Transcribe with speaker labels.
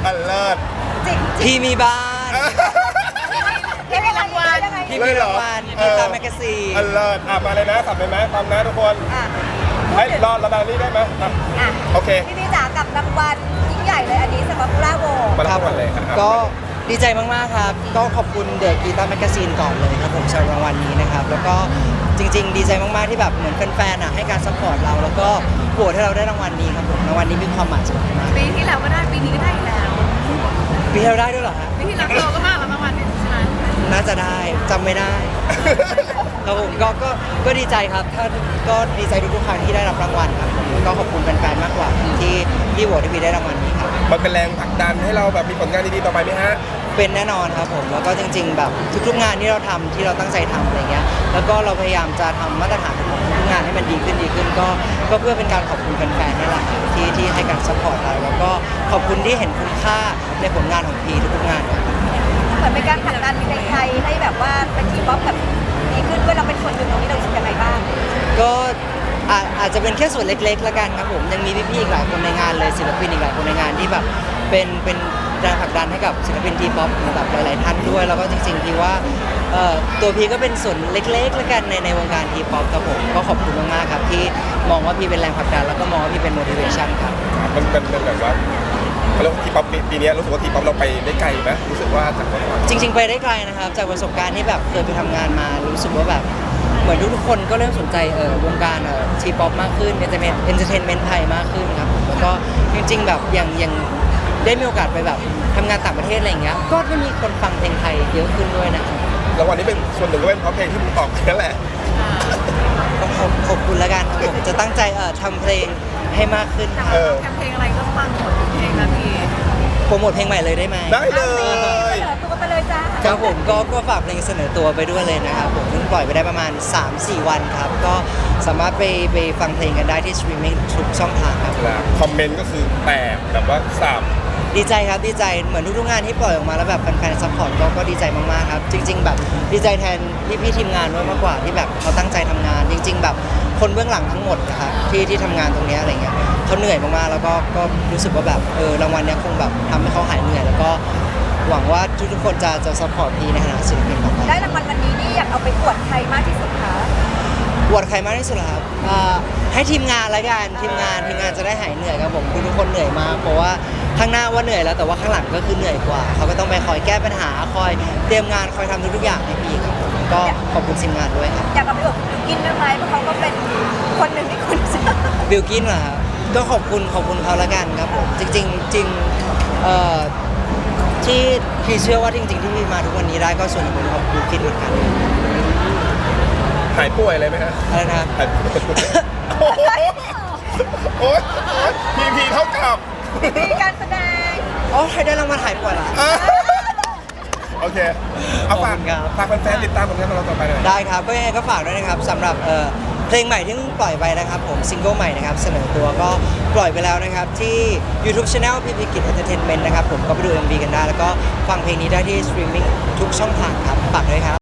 Speaker 1: อันเลิศ
Speaker 2: จริง
Speaker 3: พี่มีบ้าน
Speaker 2: พี่มีรางวัลยังไง
Speaker 3: พี่มีรางวัลพี่ตามแมกกาซีน
Speaker 1: อันเลิศมาเลยนะสับเลยไหมพร้อมนะทุกคน
Speaker 2: อ่ะ
Speaker 1: ให้รอดระดับนี้ได้ไหมอ่ะ
Speaker 2: อ่ะ
Speaker 1: โอเค
Speaker 2: พี่จ๋ากับรางวัลยิ่งใหญ่เลยอันนี้สำหรับPopular Vote
Speaker 1: มาทั้งหมดเลยครับ
Speaker 3: ก็ดีใจมากๆครับก็ขอบคุณเดอะกีตาร์แมกกาซีนก่อนเลยครับผมสำหรับรางวัลนี้นะครับแล้วก็จริงๆ ดีใจมากๆที่แบบเหมือนแฟนๆให้การซัพพอร์ตเราแล้วก็โหวตให้เราได้รางวัลนี้ครับผมรางวัลนี้มีความหมายสำคัญมาก
Speaker 4: ปีที่แล้วก็ได้ปีนี้ก็ได้อีกแล้ว
Speaker 3: ปีที่เราได้ด้วยเหรอฮะ
Speaker 4: ปีที่แล้วเราก็มาแล้วรางวัลเนี่ยใช่ไหม
Speaker 3: น่าจะได้จำไม่ได้ครับผมก็ดีใจครับถ้าก็ดีใจทุกๆครั้งที่ได้รับรางวัลครับผมก็ขอบคุณแฟนๆมากกว่าที่โหวตให้พี่ได้รางวัลนี้ครับ
Speaker 1: มันเป็นแรงผลักดันให้เราแบบมีผลงานดีๆต่อไปไหมฮะ
Speaker 3: เป็นแน่นอนครับผมแล้วก็จริงๆแบบทุกๆงานที่เราทำที่เราตั้งใจทำอะไรเงี้ยแล้วก็เราพยายามจะทำมาตรฐานของทุกงานให้มันดีขึ้นก็เพื่อเป็นการขอบคุณแฟนๆนี่แหละที่ให้การซัพพอร์ตเราแล้วก็ขอบคุณที่เห็นคุณค่าในผลงานของพีทุกๆงานครับ
Speaker 2: เหมือนเป็นการผลักดันในไทยให้แบบว่าเป็นทีป๊อปแบบดีขึ้นด้วยเราเป็นส่วนหนึ่งตรงนี้เรารู้สึกยังไงบ้าง
Speaker 3: ก็อาจจะเป็นแค่ส่วนเล็กๆแล้วกันครับผมยังมีพี่ๆอีกหลายคนในงานเลยศิลปินอีกหลายคนในงานที่แบบเป็นแรงผลักดันให้กับศิลปินทีป๊อปแบบหลายๆท่านด้วยแล้วก็จริงๆพี่ว่าตัวพี่ก็เป็นส่วนเล็กๆแล้วกันในวงการทีป๊อปครับผมก็ขอบคุณมากๆครับที่มองว่าพี่เป็นแรงผลักดันแล้วก็มองว่าพี่เป็น motivation ครับ
Speaker 1: มันเป็นแบบว่าเขาเรียกว่าทีป๊อปปีนี้รู้สึกว่าทีป๊อปเราไปได้ไกลไหมรู้สึกว่าจากเมื่อก่อน
Speaker 3: จริงๆไปได้ไกลนะครับจากประสบการณ์ที่แบบเคยไปทำงานมารู้สึกว่าแบบเหมือนทุกๆคนก็เริ่มสนใจวงการทีป๊อปมากขึ้นเอนเตอร์เทนเมนต์ไทยมากขึ้นครับแล้วก็จริงๆแบบอย่างได้มีโอกาสไปแบบทำงานต่างประเทศอะไรอย่างเงี้ยก็จะมีคนฟังเพลงไทยเยอะขึ้นด้วยนะครับ
Speaker 1: รางวัลนี้เป็นส่วนหนึ่งก็เป็นเพราะเพลงที่มึงออกนั่นแหละ
Speaker 3: ก็ขอบคุณแล้วกันครับผมจะตั้งใจทำเพลงให้มากขึ้น
Speaker 4: แต่ว่าแคมเพลงอะไรก็ฟังหมดทุกเพลงนะพี่
Speaker 3: โปรโมทเพลงใหม่เลยได้ไหม
Speaker 1: ได้เลย
Speaker 2: เสนอตัวไปเลยจ้า
Speaker 3: ครับผมก็ฝากเพลงเสนอตัวไปด้วยเลยนะครับผมเพิ่งปล่อยไปได้ประมาณ 3-4 วันครับก็สามารถไปฟังเพลงกันได้ที่สตรีมมิ่งทุกช่องทางครับ
Speaker 1: คอมเมนต์ก็คือแตกแบบว่าสาม
Speaker 3: ดีใจครับดีใจเหมือนทุกๆงานที่ปล่อยออกมาแล้วแบบแฟนๆซัพพอร์ตก็ดีใจมากๆครับจริง ๆ แบบดีใจแทนพี่ทีมงานด้วยมากกว่าที่แบบเขาตั้งใจทำงาน จริง ๆ แบบคนเบื้องหลังทั้งหมดนะครับที่ทำงานตรงเนี้ยอะไรเงี้ยเขาเหนื่อยมากๆแล้วก็รู้สึกว่าแบบรางวัลเนี้ยคงแบบทำให้เขาหายเหนื่อยแล้วก็หวังว่าทุกๆคนจะซัพพอร์ตพี่ในฐานะศิลปินต่อไป
Speaker 2: ได้รางวัลวันนี้นี่อยากเอาไปอวดใครมากที่สุดคะ
Speaker 3: ปวดใครมากที่สุดเหรอครับให้ทีมงานละกันทีมงานจะได้หายเหนื่อยครับผมทุกคนเหนื่อยมากเพราะว่าข้างหน้าว่าเหนื่อยแล้วแต่ว่าข้างหลังก็คือเหนื่อยกว่าเขาก็ต้องไปคอยแก้ปัญหาคอยเตรียมงานคอยทำทุกๆอย่างให้พี่ครับผมก็ขอบคุณทีมงานด้วยครับ
Speaker 2: อยากเอาไปอวดกินด้วยไหมเพราะเขาก็เป็นคนหนึ่งที่คุณชอบ
Speaker 3: บิลกินเหรอครับก็ขอบคุณเขาละกันครับผมจริงที่พี่เชื่อว่าจริงๆที่พี่มาทุกวันนี้ได้ก็ส่วนหนึ่งเป็นเพราะบิลกินเหมือนกัน
Speaker 1: หายป่วยอะไรไหมฮะ
Speaker 3: อะไรนะ
Speaker 1: หายป่วยโอ้โหโอ๊ยพีเท่ากับ
Speaker 2: มีการแสดง
Speaker 3: อ๋อใครได้รางวัลหายป่วยเหรอ
Speaker 1: โอเคเอาฝาก
Speaker 3: ขอบคุณครับ
Speaker 1: ฝากแฟนๆติดตามผลงานของเราต่อไปหน่อย
Speaker 3: ได้ครับก็ยังไงก็ฝากด้วยนะครับสำหรับเพลงใหม่ที่เพิ่งปล่อยไปนะครับผมซิงเกิลใหม่นะครับเสนอตัวก็ปล่อยไปแล้วนะครับที่ YouTube Channel พี่พิกิจ Entertainment นะครับผมก็ไปดู MV กันได้ แล้วก็ฟังเพลงนี้ได้ที่สตรีมมิ่งทุกช่องทางครับฝากด้วยครับ